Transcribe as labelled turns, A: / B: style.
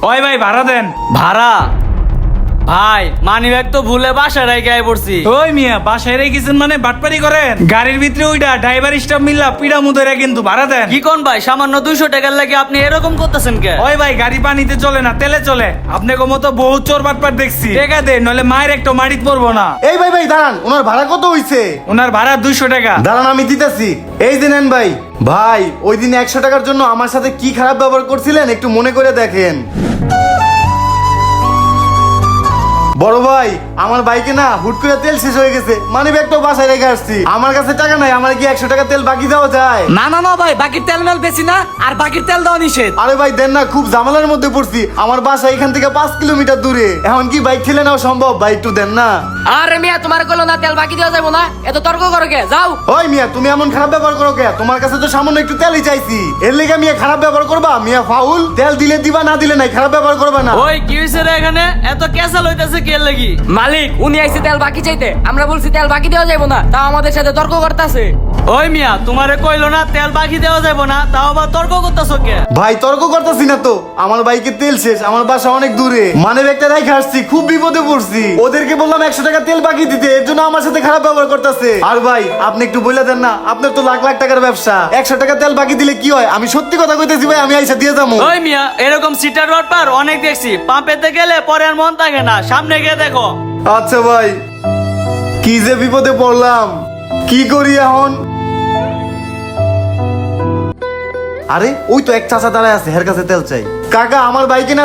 A: ওই ভাই ভাড়া দেন।
B: ভাড়া? ভাই মানিব্যাগ তো ভুলে বাসায় রেখে আই পড়ছি।
A: ওই মিয়া বাসায় রেখেছেন মানে বাটপারি করেন? গাড়ির ভিতরে ওইটা ড্রাইভার স্টাফ মিল্লা পিড়া মুদরে কিন্তু ভাড়া দেন।
B: কি কোন ভাই, সামান্য 200 টাকার লাগে আপনি এরকম করতেছেন কে?
A: ওই ভাই গাড়ি পানিতে চলে না, তেলে চলে। আপনাকে মতো বহু চোর বাটপার দেখছি। টাকা দে নইলে মায়ের একটা মারিত পড়বো না।
C: এই ভাই ভাই দাঁড়ান, ওনার ভাড়া কত হইছে?
A: ওনার ভাড়া 200 টাকা।
C: দাঁড়ান আমি দিতেছি। এই যে নেন ভাই। ভাই ওই দিন 100 টাকার জন্য আমার সাথে কি খারাপ ব্যবহার করছিলেন একটু মনে করে দেখেন। বড় ভাই আমার বাইকে না হুট করে তেল শেষ হয়ে গেছে, মানি ব্যাগটাও বাসায় রেখে আসছি। আমার কাছে টাকা নাই, আমার কি 100 টাকা তেল বাকি দেওয়া যায়?
B: না না না ভাই, বাকির তেল মেল বেশি না, আর বাকির তেল দেওয়া নিষেধ।
C: আরে ভাই দেন না, খুব ঝামেলার মধ্যে পড়ছি। আমার বাসা এখান থেকে 5 কিলোমিটার দূরে, এখন কি বাইক ঠেলে নেওয়া সম্ভব? ভাই একটু দেন না।
D: আরে মিয়া তোমার কইলো না তেল বাকি দেওয়া যাবো না, এত তর্ক করো কে? যাও।
C: ওই মিয়া তুমি এমন খারাপ ব্যবহার করো কে? তোমার কাছে তো সামান্য একটু তেলই চাইছি, এর লেগে মিয়া খারাপ ব্যবহার করবা? মিয়া ফাউল, তেল দিলে দিবা, না দিলে নাই, খারাপ ব্যবহার করবা না।
B: ওই কি হইছে রে এখানে? এত ক্যাসাল হইতাছে কে লাগি?
D: মালিক উনি আইছে তেল বাকি চাইতে, আমরা বলছি তেল বাকি দেওয়া যাবো না, তাও আমাদের সাথে তর্ক করতেছে।
B: ওই মিয়া তোমারে কইলো না তেল বাকি দেওয়া যাবে না, তাও আবার তর্ক করতেছো কে?
C: ভাই তর্ক করতেছি না তো, আমার বাইকে তেল শেষ, আমার বাসা অনেক দূরে, মানে একটা রেখে আসছি, খুব বিপদে পড়ছি। ওদেরকে বললাম 100 টাকা তেল বাকি দিতে, এর জন্য আমার সাথে খারাপ ব্যবহার করতেছে। আর ভাই আপনি একটু বলে দেন না, আপনার তো লাখ লাখ টাকার ব্যবসা, 100 টাকা তেল বাকি দিলে কি হয়? আমি সত্যি কথা কইতেছি ভাই, আমি আইসা দিয়ে যাবো।
B: ওই মিয়া এরকম সিটার রড পার অনেক দেখছি, পাম্পেতে গেলে পরে আর মন থাকে না, সামনে গিয়ে দেখো।
C: আচ্ছা ভাই, কি যে বিপদে পড়লাম, কি করি এখন? আরে ওই তো এক চাচা দাঁড়ায় আছে, হের কাছে তেল চাই। কাকা আমার বাইকে না